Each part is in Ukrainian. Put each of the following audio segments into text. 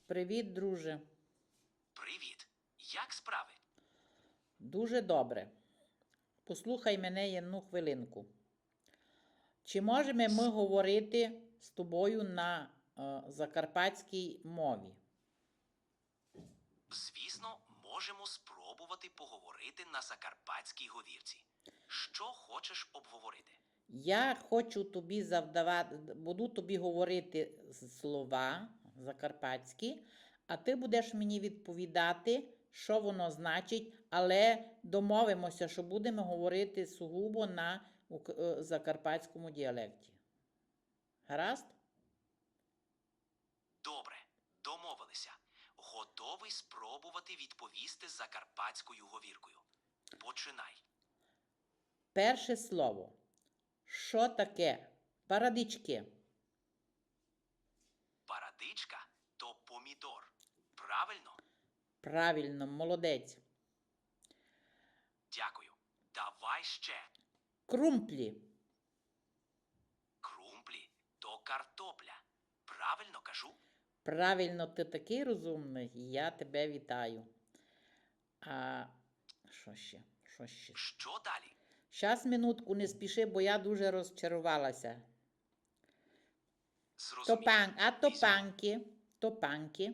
Привіт, друже. Привіт. Як справи? Дуже добре. Послухай мене одну хвилинку. Чи можемо ми говорити з тобою на закарпатській мові? Звісно, можемо спробувати поговорити на закарпатській говірці. Що хочеш обговорити? Я хочу тобі буду тобі говорити слова закарпатські, а ти будеш мені відповідати, що воно значить, але домовимося, що будемо говорити сугубо на закарпатському діалекті. Гаразд? Добре, домовилися. Готовий спробувати відповісти закарпатською говіркою. Починай. Перше слово. Що таке? Парадички. Парадичка то помідор. Правильно? Правильно, молодець. Дякую. Давай ще. Крумплі. Крумплі то картопля. Правильно кажу? Правильно, ти такий розумний, я тебе вітаю. А що ще? Що ще? Що далі? Щас, минутку, не спіши, бо я дуже розчарувалася. Зрозумів. Топанки. Топанки.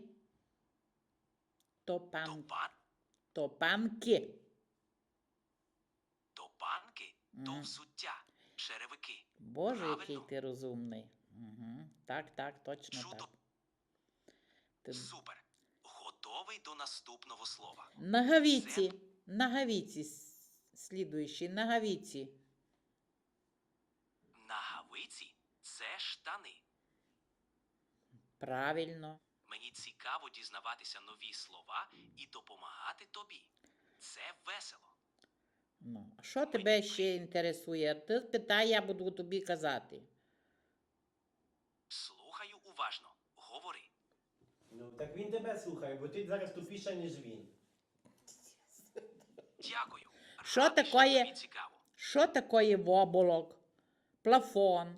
Топан? Топанки. Топанки то взуття, черевики. Боже, Правильно? який ти розумний. Угу. Так, точно Чудо. так. Ти... Супер. Готовий до наступного слова. Нагавіці. Нагавіці. Слідуючі. Нагавіці. Нагавиці – це штани. Правильно. Мені цікаво дізнаватися нові слова і допомагати тобі. Це весело. Ну, а що тебе ще інтересує? Ти питай, я буду тобі казати. Слухаю уважно. Говори. Ну, так він тебе слухає, бо ти зараз тупіша, ніж він. Дякую. Що Радий, такое? тобі цікаво. Що таке воболок? Плафон.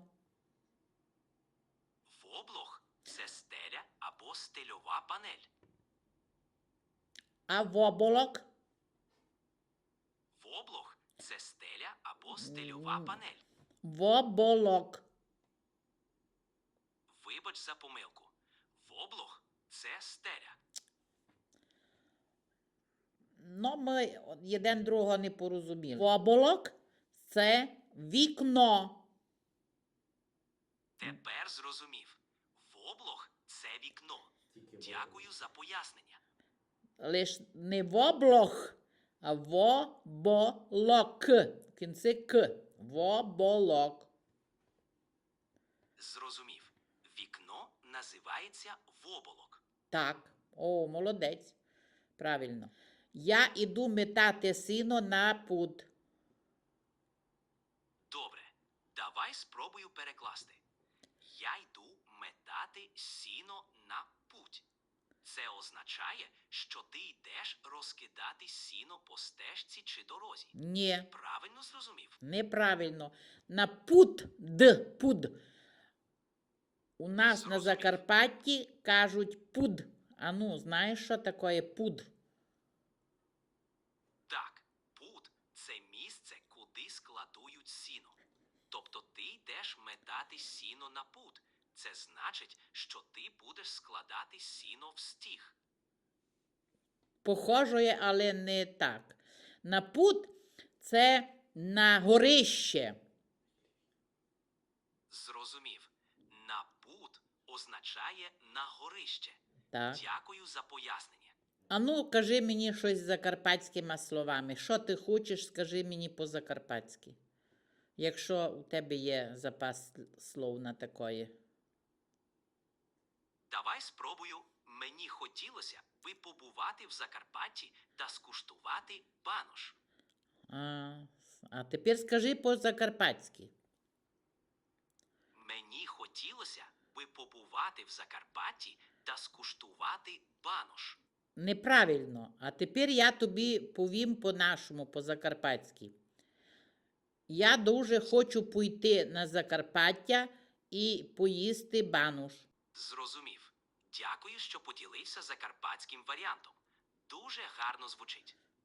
Воблог – це стеля або стельова панель. А воболок? Воблог – це стеля або стельова панель. Воболок. Вибач за помилку. Воблог – це стеля. Ну, ми один другого не порозуміли. Воболок – це вікно. Тепер зрозумів. Воблог – це вікно. Дякую за пояснення. Лиш не воблох, а воболок. В кінці к. Воболок. Зрозумів. Вікно називається воблок. Так. О, молодець. Правильно. Я іду метати сіно на пуд. Добре. Давай спробую перекласти. Я йду метати сіно на путь. Це означає, що ти йдеш розкидати сіно по стежці чи дорозі. Ні. Правильно зрозумів? Неправильно. На пуд. У нас на Зрозумів. Закарпатті кажуть пуд. А ну, знаєш, що таке пуд? Так, пуд – це місце, куди складують сіно. Тобто ти йдеш метати сіно на пуд. Це значить, що ти будеш складати сіно в стіг. Похоже, але не так. На пуд – це на горище. Зрозумів. На пуд означає на горище. Так. Дякую за пояснення. А ну, кажи мені щось закарпатськими словами. Що ти хочеш, скажи мені по-закарпатськи. Якщо у тебе є запас слов на такої. Давай спробую. Мені хотілося би побувати в Закарпатті та скуштувати банош. А тепер скажи по-закарпатськи. Мені хотілося би побувати в Закарпатті та скуштувати банош. Неправильно. А тепер я тобі повім по-нашому, по-закарпатськи. Я дуже хочу пойти на Закарпаття і поїсти банош. Зрозумів. Дякую, що поділився закарпатським варіантом. Дуже гарно звучить.